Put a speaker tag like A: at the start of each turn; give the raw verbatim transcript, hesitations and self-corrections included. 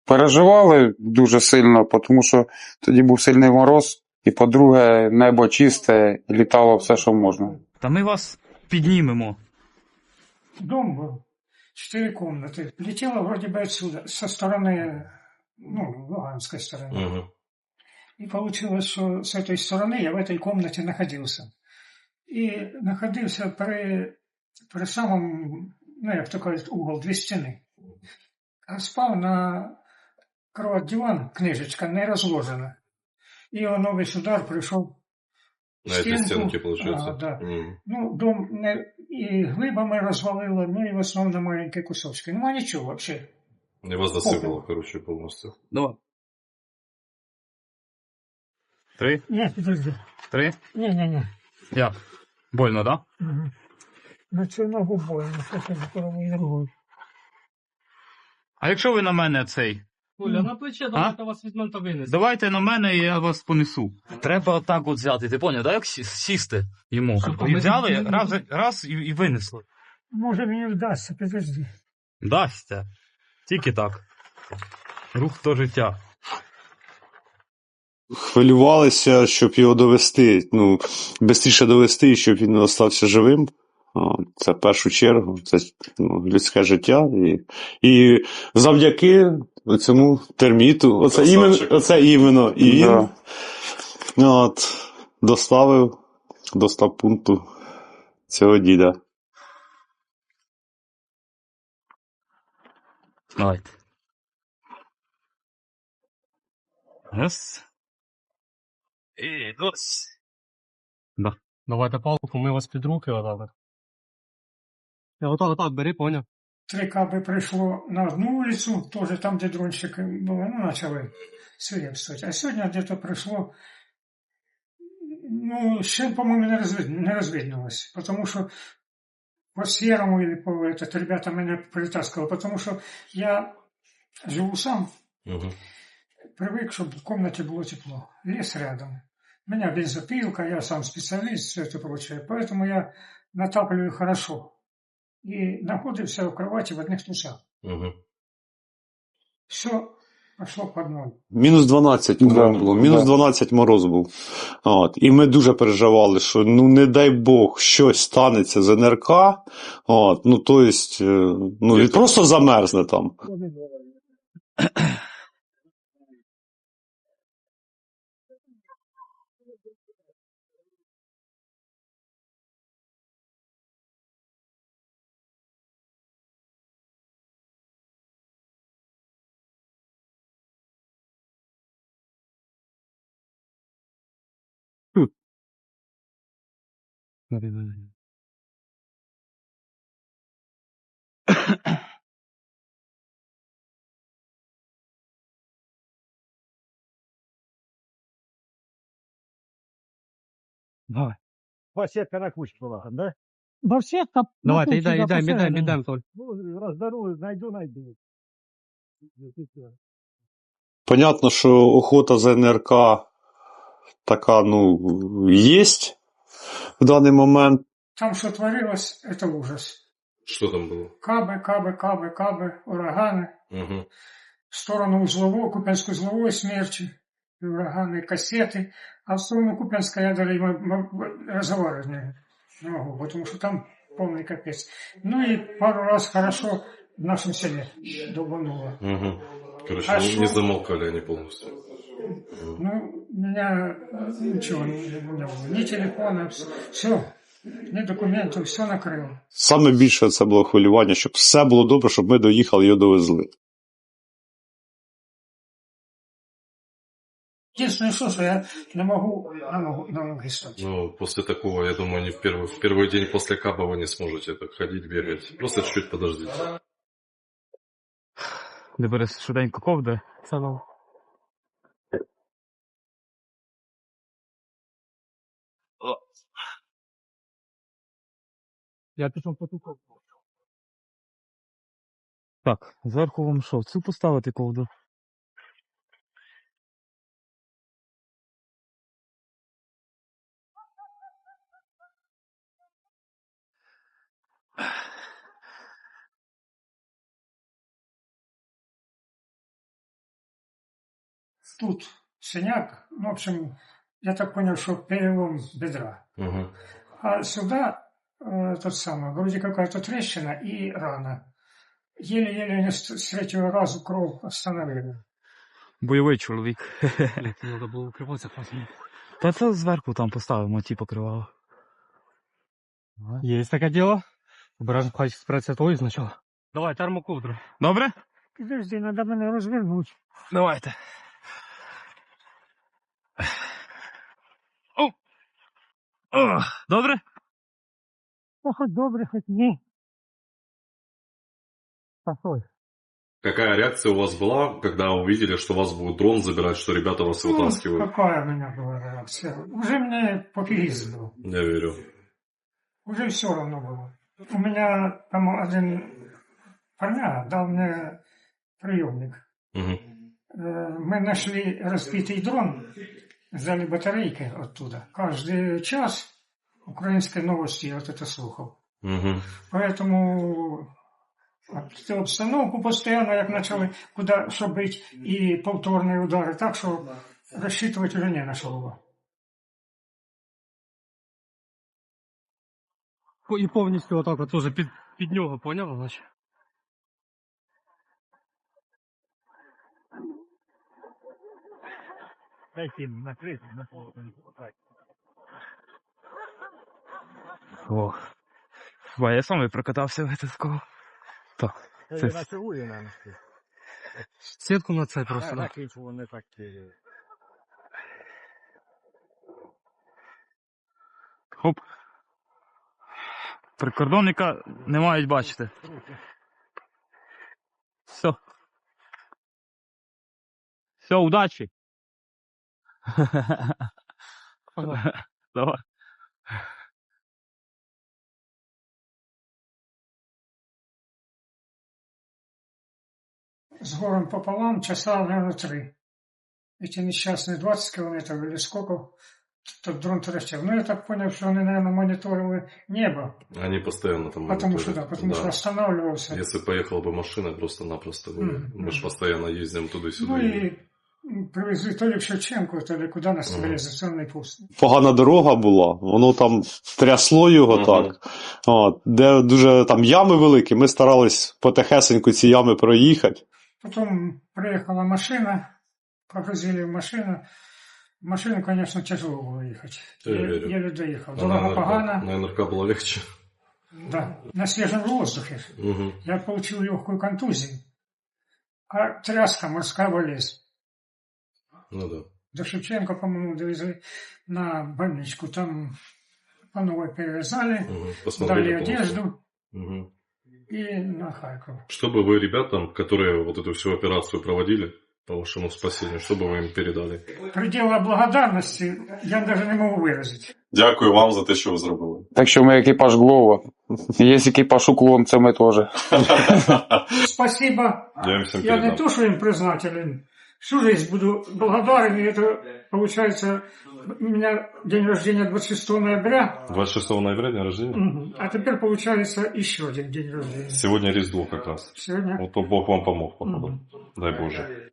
A: Переживали дуже сильно, тому що тоді був сильний мороз, і, по-друге, небо чисте, літало все, що можна.
B: Та ми вас піднімемо.
C: Дом был, четыре комнаты. Летела вроде бы отсюда, со стороны, ну, Луганской стороны.
D: Угу.
C: И получилось, что с этой стороны я в этой комнате находился. И находился при, при самом, ну, як то кажуть, угол, дві стіни. А спав на кровать-диван, книжечка не розложена. І воно весь удар прийшов
D: На этой стенке, получается?
C: А, да.
D: Угу.
C: Ну, дом не, і глибами розвалило, ну і в основному маленькі кусочки. Нема нічого взагалі.
D: И вас засыпало, короче, полностью.
B: Давай. Три?
C: Ні, підожди.
B: Три?
C: Ні, ні, ні.
B: Як? Больно, да?
C: Угу. На цю ногу больно, що це здоровий другий.
B: А якщо ви на мене цей?
E: Оля, на плече давайте вас візьмемо та винесемо.
B: Давайте на мене, і я вас понесу. Треба отак от взяти, ти поняв, да? Як сі- сісти йому.
E: Що,
B: І
E: ми-
B: взяли, раз, раз і, і винесли.
C: Може мені вдасться, підожди.
B: Дасться. Тільки так. Рух до життя.
F: Хвилювалися, щоб його довести, ну, швидше довести, щоб він залишився живим. О, це в першу чергу, це ну, людське життя. І, і завдяки цьому терміту, оце іменно, оце іменно, і він
A: Да.
F: от, доставив до стаб-пункту цього діда.
B: Давайте. Раз. І дос. Да.
E: Давайте палку, ми вас під руки отак. Я отак, отак, бери, поняв.
C: Три каби прийшло на одну вулицю, теж там, де дрончики були, ну, почали свирепствувати. А сьогодні где-то прийшло, ну, ще, по-моєму, не, розвид... не розвиднулось, тому що по серому или по этот, ребята мене притаскивали, потому что я живу сам,
D: Угу.
C: привык, чтобы в комнате было тепло. Лес рядом. У меня бензопилка, я сам специалист, все это прочее. Поэтому я натапливаю хорошо. И находился в кровати в одних трусах.
D: Угу.
C: Все пошло под ноль.
F: Мінус дванадцять, по-моєму,
A: Да,
F: було. Мінус
A: да.
F: дванадцять мороз був. От. І ми дуже переживали, що, ну, не дай Бог, щось станеться з ен ер ка. От. Ну, то есть, е, ну, він просто замерзне там.
B: Давай.
G: Басетка на куче была, да?
C: Барсетка.
E: Давайте, йдемо, йдемо, йдемо, йдемо, Толь.
G: Ну, раздарую, найду, найду.
F: Понятно, що охота за ен ер ка така, ну, є в даний момент.
C: Там, что творилось, это ужас.
D: Что там было?
C: Кабы, кабы, кабы, кабы, ураганы.
D: Угу.
C: В сторону узловой, Купянско-узловой смерчи, и ураганы, кассеты, а в сторону Купянска я даже м- м- разговаривать не, не могу, потому что там полный капец. Ну и пару раз хорошо в нашем селе долбануло.
D: Угу. Короче,
C: А
D: не,
C: шо?
D: не замолкали они полностью.
C: Ну, у меня ничего не, не было, ни телефона, все, ни документов, все накрыло.
F: Саме більше це було хвилювання, щоб все було добре, щоб ми доїхали і його довезли.
C: Единственное, что, что я не могу на ногу, на ноги стать.
D: Ну, после такого, я думаю, не в первый, в первый день после каба вы не сможете так ходить, бегать. Просто чуть-чуть подождите.
B: Де береш швиденько ковдри.
E: Салам. Я пішов по ту ковку.
B: Так, зверху вам що, цю поставити ковдру?
C: тут синяк, ну, в общем, я так понял, что перелом бедра.
D: Мгм.
C: А сюда э, тот самый, вроде какая-то трещина и рана. Еле-еле они с с третьего раза кровь остановили.
B: Бойовий чоловік.
E: Треба було укриватися потім.
B: Та це зверху там поставимо, ті покривало.
E: Є таке діло. Обережно, хай спреться той спочатку. Давай, термоковдру.
B: Добре?
C: Підожди, треба мене розвернути.
B: Давайте. О! О! Добре?
C: Ну, хоч добре, хоч ні. Постой.
D: Какая реакция у вас была, когда увидели, что вас будет дрон забирать, что ребята вас
C: Ну,
D: вытаскивают?
C: какая у меня была реакция? Уже мне пофигизм был.
D: Я верю.
C: Уже все равно было. У меня там один парня дал мне приемник.
D: Мгм.
C: Э, Мы нашли разбитый дрон, взяли батарейки оттуда. Каждый час украинской новости я вот это слухал.
D: Мгм.
C: Поэтому об- обстановку постоянно, як почали, куди що бити, і повторні удари, так що розчитувати вже не на що було.
E: І повністю отак от теж під, під нього, поняв, значить?
G: Дайте им накрыть, на пол.
B: Ох. Ба, я сам і прокатався витискав. Так.
G: Это
B: Це-
G: на чугуне, наверное.
E: Сітку на це просто. да.
G: Так, вони так... е,
B: Хоп. Прикордонника не мають бачити. Все. Все, удачі. Давай.
C: С горем пополам, часа, наверное, три. Эти несчастные двадцать километров или сколько, тот дрон трещал. Ну, я так понял, что они, наверное, мониторили небо.
D: Они постоянно там
C: Потому что, да,
D: мониторят.
C: потому что останавливался.
D: Если поехала бы машина, просто-напросто бы.
C: Мгм.
D: Мы же постоянно ездим туда-сюда.
C: Ну и м, привезли то ли в Шевченко, то ли куда на
D: Мгм.
C: стабилизационный пункт.
F: Погана дорога була, воно там трясло його
D: Мгм.
F: так. От, де дуже там ями великі, ми старались потихесеньку ці ями проїхати.
C: Потом приехала машина, погрузили в машину. В машину, конечно, тяжело было ехать.
D: Я
C: Еле,
D: верю.
C: еле доехал.
D: А
C: Дорога
D: на НРК,
C: погана.
D: на НРК было легче.
C: Да, на свежем воздухе.
D: Мгм.
C: Я получил легкую контузию. А тряска морская болезнь.
D: Ну да.
C: До Шевченко, по-моему, довезли на больничку. Там по новой перевязали,
D: Мгм.
C: дали
D: Посмотрели полностью.
C: одежду
D: Мгм.
C: и на Харьков.
D: Что бы вы ребятам, которые вот эту всю операцию проводили по вашему спасению, что бы вы им передали?
C: Предела благодарности я даже не могу выразить.
D: Дякую вам за те, що ви зробили.
A: Так що ми екіпаж Глова. Є екіпаж уклон, це ми теж.
C: Спасибо.
D: Я им всем
C: Я не
D: передам.
C: то, что им признателен. Всю жизнь буду благодарен. И это, получается, у меня день рождения двадцать шестого ноября.
D: двадцать шестого ноября день рождения?
C: Мгм. А теперь, получается, еще один день рождения.
D: Сегодня Різдво как раз.
C: Сегодня.
D: Вот Бог вам помог, походу.
C: Мгм.
D: Дай Боже.